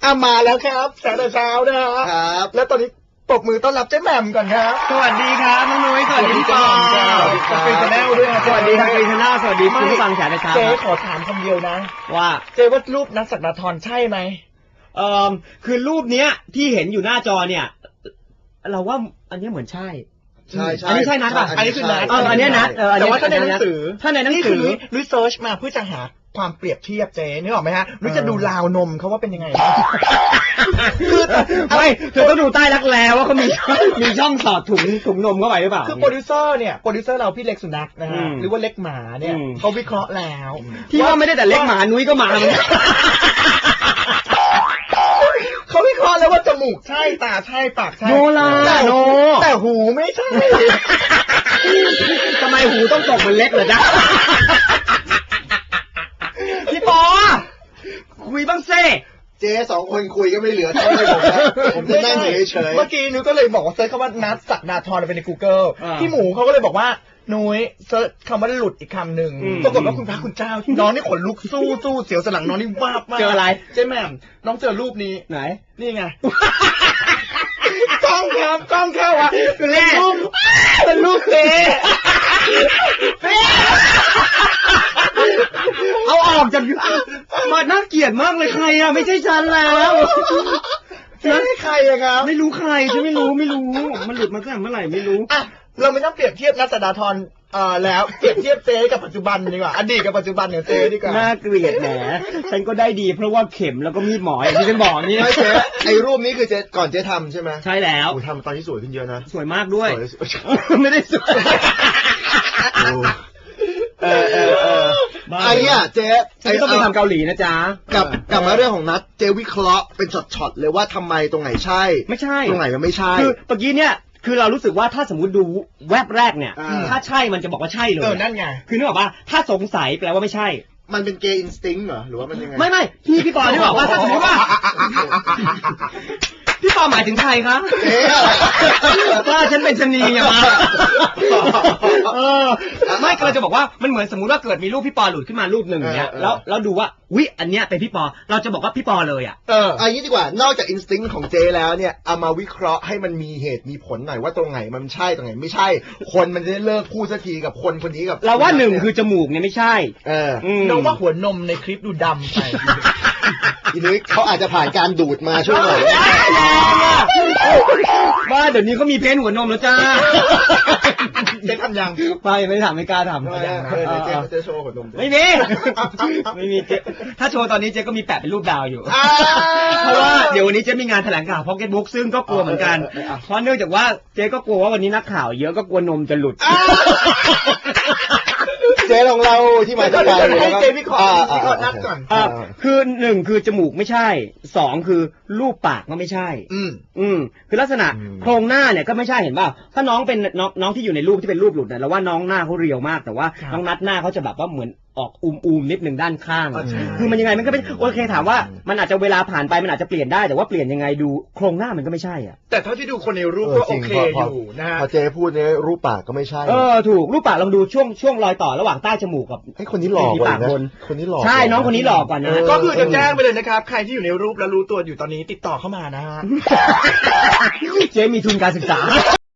มาแล้วครับแสงแต่เช้านะฮะครับแล้วตอนนี้ปรบมือต้อนรับเจ๊แหม่มก่อนครับสวัสดีครับน้องนุ้ยสวัสดีพี่ปอจะเป็นแนลด้วยสวัสดีทางกรีนชาแนลสวัสดีคุณผู้ฟังแฉแต่เช้าเจ๊ขอถามคำเดียวนะว่าเจ๊ว่ารูปนัทศักดาธรใช่ไหมคือรูปเนี้ยที่เห็นอยู่หน้าจอเนี่ยเราว่าอันนี้เหมือนใช่อันนี้ใช่นัทป่ะอันนี้คือนัทอันนี้นัทแต่ว่าถ้าในหนังสือนุ้ยเซิร์ชมาเพื่อจะหาความเปรียบเทียบเจ๊นึกออกไหมฮะนุ้ยจะดูราวนมเขาว่าเป็นยังไงคือไม่เธอต้องดูใต้รักแร้ว่าเขามีช่องสอดถุงนมเข้าไปหรือเปล่าคือโปรดิวเซอร์เราพี่เล็กสุนัขนะฮะหรือว่าเล็กหมาเนี่ยเขาวิเคราะห์แล้วที่ว่าไม่ได้แต่เล็กหมานุ้ยก็มาเขาวิเคราะห์แล้วว่าจมูกใช่ตาใช่ปากใช่โนล่ะโนแต่หูไม่ใช่ทำไมหูต้องตกมันเล็กเหรอจ๊ะพี่ปอคุยบ้างเซ่เจ๊สองคนคุยก็ไม่เหลือเท่าไหร่ผมจะนั่งเฉยเมื่อกี้นุ้ยก็เลยบอกว่าเซิร์ชคำว่านัทศักดาธรไปใน Google พี่หมูเขาก็เลยบอกว่านุ้ยเซิร์ชคำว่าหลุดอีกคำหนึ่งปรากฏว่าคุณพระคุณเจ้าน้องนี่ขนลุกสู้เสียวสลังน้องนี่วาบมากเจออะไรเจ๊แหม่มน้องเจอรูปนี้ไหนนี่ไงกล้องเข้าอ่ะเป็นรูปเป๊เอาออกจากมาน่าเกลียดมากเลยใครอ่ะไม่ใช่ฉันแล้วไม่ใครอะครับไม่รู้ใครฉันไม่รู้มันหลุดมาตั้งแต่เมื่อไหร่ไม่รู้อ่ะเราไม่ต้องเปรียบเทียบนัทศักดาธรแล้วเปรียบเทียบเจ๊กับปัจจุบันดีกว่าอดีตกับปัจจุบันเนี่ยเจ๊ดีกว่าน่าเกลียดแหมฉันก็ได้ดีเพราะว่าเข็มแล้วก็มีดหมออย่างที่ฉันบอกนี่ไม่เจ๊ไอ้รูปนี้คือเจ๊ก่อนเจ๊ทำใช่ไหมใช่แล้วทำตอนที่สวยขึ้นเยอะนะสวยมากด้วยไม่ได้สวยไอ้เนี่ยเจ๊ต้องไปทำเกาหลีนะจ๊ะกลับมาเรื่องของนัทเจ๊วิเคราะห์เป็นช็อตๆเลยว่าทำไมตรงไหนใช่ไม่ใช่ตรงไหนมันไม่ใช่คือเมื่อกี้เนี่ยคือเรารู้สึกว่าถ้าสมมติดูแวบแรกเนี่ยถ้าใช่มันจะบอกว่าใช่เลยนั่นไงคือนึกออกป่ะถ้าสงสัยแปลว่าไม่ใช่มันเป็นเกย์อินสติ้งเหรอหรือว่ามันยังไงไม่พี่ปอที่บอกว่าถ้าสมมติว่าพี่ปอหมายถึงใครคะว่าฉันเป็นชนีไงมาไม่ก็จะบอกว่ามันเหมือนสมมุติว่าเกิดมีรูปพี่ปอหลุดขึ้นมารูปหนึ่งอย่างเงี้ยแล้วดูว่าวิอันเนี้ยเป็นพี่ปอเราจะบอกว่าพี่ปอเลยอ่ะอันนี้ดีกว่านอกจากอินสติ้งของเจแล้วเนี่ยเอามาวิเคราะห์ให้มันมีเหตุมีผลหน่อยว่าตรงไหนมันใช่ตรงไหนไม่ใช่คนมันจะได้เลิกพูดสักทีกับคนนี้กับเราว่าหนึ่งคือจมูกเนี่ยไม่ใช่น้องว่าหัวนมในคลิปดูดำไปทีนี้เขาอาจจะผ่านการดูดมาช่วยหน่อยว่าเดี๋ยวนี้เขามีเพนหัวนมแล้วจ้าเจ๊ทำยังไม่ทำไม่กล้าทำเจ๊โชว์หัวนมไม่มีเจ๊ถ้าโชว์ตอนนี้เจ๊ก็มีแปะเป็นรูปดาวอยู่เพราะว่าเดี๋ยววันนี้เจ๊มีงานแถลงข่าวพ็อกเก็ตบุ๊กซึ่งก็กลัวเหมือนกันเพราะเนื่องจากว่าเจ๊ก็กลัวว่าวันนี้นักข่าวเยอะก็กลัวนมจะหลุดเจ๊ลองเล่าที่มาที่ไปให้เจ๊วิเคราะห์นัดก่อนคือหนึ่งคือจมูกไม่ใช่สองคือรูปปากก็ไม่ใช่คือลักษณะโครงหน้าเนี่ยก็ไม่ใช่เห็นป่ะถ้าน้องเป็นน้องที่อยู่ในรูปที่เป็นรูปหลุดเนี่ยเราว่าน้องหน้าเขาเรียวมากแต่ว่าน้องนัดหน้าเขาจะแบบว่าเหมือนออกนิดนึงด้านข้างคือมันยังไงมันก็เป็นโอเคถามว่ามันอาจจะเวลาผ่านไปมันอาจจะเปลี่ยนได้แต่ว่าเปลี่ยนยังไงดูโครงหน้ามันก็ไม่ใช่อ่ะแต่เท่าที่ดูคนในรูปก็โอเคอยู่นะฮะพอเจ๊พูดเนี่ยรูปปากก็ไม่ใช่ถูกรูปปากลองดูช่วงรอยต่อระหว่างใต้จมูกกับไอ้คนนี้หล่อกว่านะคนนี้หล่อใช่น้องคนนี้หล่อกว่านะก็คือจะแจ้งไปเลยนะครับใครที่อยู่ในรูปแล้วรู้ตัวอยู่ตอนนี้ติดต่อเข้ามานะฮะเจ๊มีทุนการศึกษา